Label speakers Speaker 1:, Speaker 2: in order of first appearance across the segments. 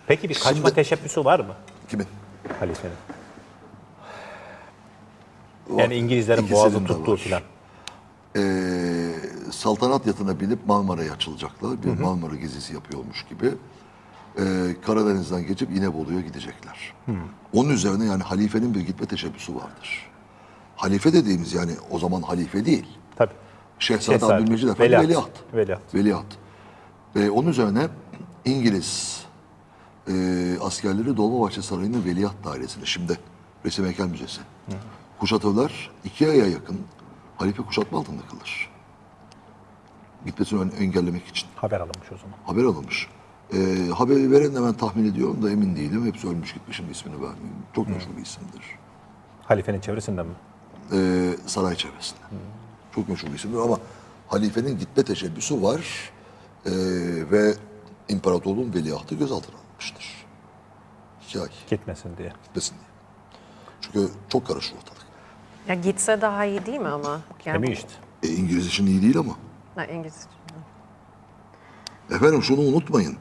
Speaker 1: Peki bir kaçma teşebbüsü var mı
Speaker 2: Kimin?
Speaker 1: halifenin? Yani İngilizlerin
Speaker 2: İkisinin
Speaker 1: boğazı
Speaker 2: de
Speaker 1: tuttuğu
Speaker 2: var.
Speaker 1: filan.
Speaker 2: Saltanat yatına binip Marmara'ya açılacaklar. Bir Marmara gezisi yapıyormuş gibi. Karadeniz'den geçip İnebolu'ya gidecekler. Onun üzerine yani halifenin bir gitme teşebbüsü vardır. Halife dediğimiz yani o zaman halife değil.
Speaker 1: Tabii.
Speaker 2: Şehzade Abdülmecid Efendi
Speaker 1: Veliaht.
Speaker 2: veliaht. Veliaht. Onun üzerine İngiliz askerleri Dolmabahçe Sarayı'nın Veliaht Dairesi'ne, şimdi Resim Heykel Müzesi. Kuşatırlar, 2 aya yakın halife kuşatma altında kalır. Gitmesini engellemek için.
Speaker 1: Haber alınmış o zaman.
Speaker 2: Haber alınmış. Haberi veren de ben tahmin ediyorum da emin değilim. Hepsi ölmüş gitmiş, şimdi ismini vermeyeyim. Çok meşhur bir isimdir.
Speaker 1: Halifenin çevresinden mi?
Speaker 2: Saray çevresinde. Çok meşhur bir isimdir ama halifenin gitme teşebbüsü var. Ve imparatorluğun veliahtı gözaltına alınmıştır. 2 ay
Speaker 1: Gitmesin diye.
Speaker 2: gitmesin diye. Çünkü çok karışır ortalık.
Speaker 3: Ya gitse daha iyi değil mi ama?
Speaker 1: Gitmiyor işte.
Speaker 2: İngiliz için iyi değil ama.
Speaker 3: Ha, İngiliz.
Speaker 2: Efendim şunu unutmayın.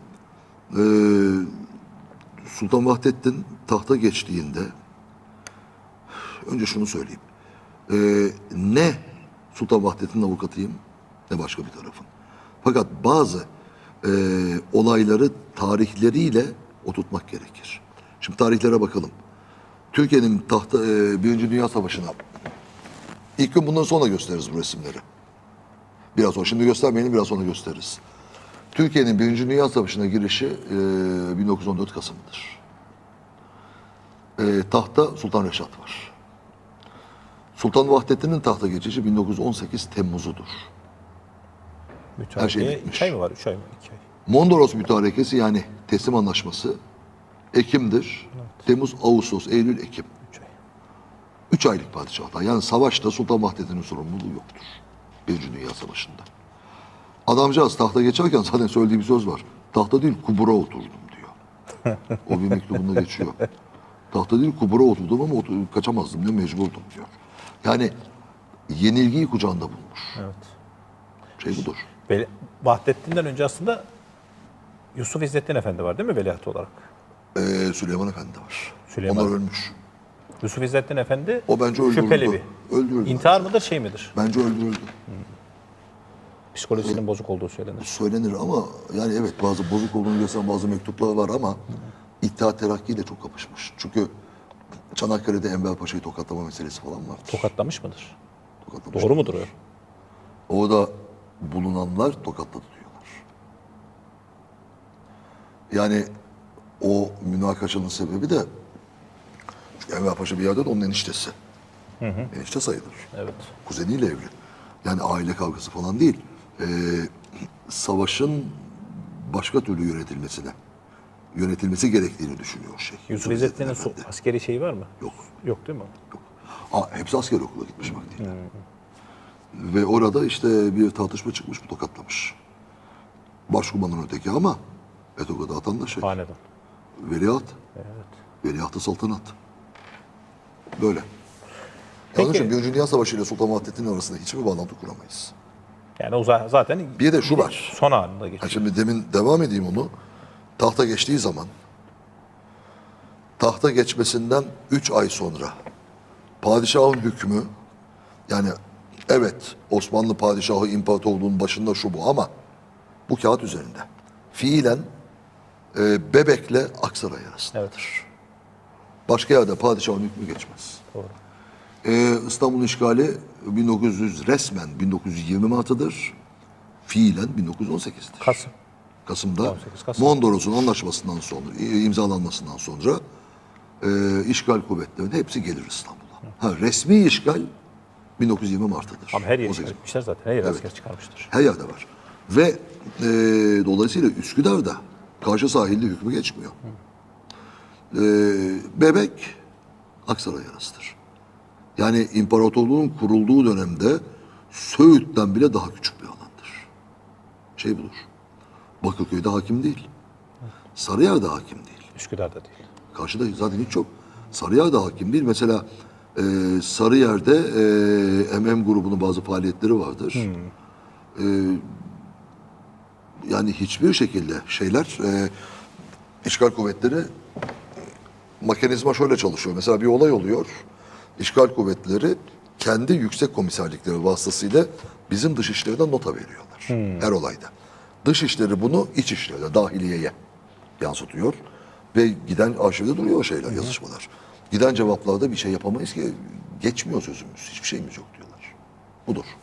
Speaker 2: Sultan Vahdettin tahta geçtiğinde önce şunu söyleyeyim. Ne Sultan Vahdettin'in avukatıyım ne başka bir tarafın. Fakat bazı olayları tarihleriyle oturtmak gerekir. Şimdi tarihlere bakalım. Türkiye'nin tahta Birinci Dünya Savaşı'na ilk gün bundan sonra gösteririz bu resimleri. Biraz sonra şimdi göstermeyelim, biraz sonra gösteririz. Türkiye'nin Birinci Dünya Savaşı'na girişi 1914 Kasım'dır. Tahta Sultan Reşat var. Sultan Vahdettin'in tahta geçişi 1918 Temmuz'udur. Her şey
Speaker 1: Müteahhit
Speaker 2: bitmiş.
Speaker 1: 2 ay mı var? 3 ay mı? 2 ay.
Speaker 2: Mondros Mütarekesi yani teslim anlaşması Ekim'dir. Temmuz, Ağustos, Eylül, Ekim.
Speaker 1: 3 ay.
Speaker 2: 3 aylık padişahlar. Yani savaşta Sultan Vahdettin'in sorumluluğu yoktur. Birinci Dünya Savaşı'nda. Adamcağız tahta geçerken zaten söylediği bir söz var. Tahta değil kubura oturdum diyor. O bir mektubunda geçiyor. Tahta değil kubura oturdum ama kaçamazdım diyor, mecburdum diyor. Yani yenilgiyi kucağında bulmuş.
Speaker 1: Evet.
Speaker 2: Şey budur.
Speaker 1: Vahdettin'den önce aslında Yusuf İzzettin Efendi var değil mi veliaht olarak?
Speaker 2: Süleyman Efendi var.
Speaker 1: Süleyman.
Speaker 2: Onlar ölmüş.
Speaker 1: Yusuf İzzettin Efendi
Speaker 2: O bence öldürüldü.
Speaker 1: şüpheli bir.
Speaker 2: Öldürüldü.
Speaker 1: İntihar mıdır şey midir?
Speaker 2: Bence öldürüldü.
Speaker 1: Psikolojisinin bozuk olduğu söylenir.
Speaker 2: Söylenir ama yani evet bazı bozuk olduğunu gösteren bazı mektuplar var ama İttihat Terakki ile çok kapışmış. Çünkü Çanakkale'de Enver Paşa'yı tokatlama meselesi falan var.
Speaker 1: Tokatlamış mıdır?
Speaker 2: Tokatlamış.
Speaker 1: Doğru mudur o?
Speaker 2: Orada bulunanlar tokatladı diyorlar. Yani o münakaşanın sebebi de çünkü Enver Paşa bir yerde de onun eniştesi. Enişte sayılır.
Speaker 1: Evet.
Speaker 2: Kuzeniyle evli. Yani aile kavgası falan değil. Savaşın başka türlü yönetilmesi gerektiğini düşünüyor şey.
Speaker 1: Yusuf İzzettin'in
Speaker 2: Efendi.
Speaker 1: askeri şeyi var mı?
Speaker 2: Yok.
Speaker 1: Yok değil mi?
Speaker 2: Hepsi asker okula gitmiş vaktiyle. Ve orada işte bir tartışma çıkmış, bu tokatlamış. Başkumanın öteki ama Etoga'da atan da şey.
Speaker 1: Hanedan.
Speaker 2: Veliaht.
Speaker 1: Evet.
Speaker 2: Veliaht-ı saltanat. Böyle.
Speaker 1: Peki.
Speaker 2: Onun için Birinci Dünya Savaşı ile Sultan Vahdettin arasında hiçbir bağlantı kuramayız.
Speaker 1: Yani o zaten
Speaker 2: Bir de şu var.
Speaker 1: son anında
Speaker 2: Ha
Speaker 1: geçiyor.
Speaker 2: şimdi demin devam edeyim onu. Tahta geçtiği zaman tahta geçmesinden 3 ay sonra padişahın hükmü yani evet Osmanlı padişahı imparatorluğun başında şu bu ama bu kağıt üzerinde. Fiilen Bebek'le Aksaray arasındadır.
Speaker 1: Evet.
Speaker 2: Başka yerde padişahın hükmü geçmez.
Speaker 1: Doğru.
Speaker 2: İstanbul'un işgali resmen 1920 Mart'ıdır. Fiilen 1918'dir.
Speaker 1: Kasım.
Speaker 2: Kasım'da
Speaker 1: 18 Kasım.
Speaker 2: Mondros'un anlaşmasından sonra, imzalanmasından sonra işgal kuvvetlerinin hepsi gelir İstanbul'a. Resmi işgal 1920 Mart'tadır.
Speaker 1: Ama her yeri
Speaker 2: 18.
Speaker 1: çıkartmışlar zaten. Her yer
Speaker 2: Evet.
Speaker 1: asker çıkarmıştır.
Speaker 2: Her yerde var. Ve dolayısıyla Üsküdar'da karşı sahilde hükmü geçmiyor. Bebek Aksaray arasıdır. Yani imparatorluğun kurulduğu dönemde Söğüt'ten bile daha küçük bir alandır. Şey budur. Bakırköy'de hakim değil. Sarıyer'de hakim değil.
Speaker 1: Üsküdar'da değil.
Speaker 2: Karşıda zaten hiç yok. Sarıyer'de hakim değil. Mesela Sarıyer'de MM grubunun bazı faaliyetleri vardır. Yani hiçbir şekilde şeyler işgal kuvvetleri mekanizma şöyle çalışıyor. Mesela bir olay oluyor. İşgal kuvvetleri kendi yüksek komiserlikleri vasıtasıyla bizim dışişlerine nota veriyorlar. Her olayda. Dışişleri bunu iç işlerine, dahiliyeye yansıtıyor. Ve giden arşivde duruyor o şeyler, yazışmalar. Giden cevaplarda bir şey yapamayız ki. Geçmiyor sözümüz. Hiçbir şeyimiz yok diyorlar. Budur.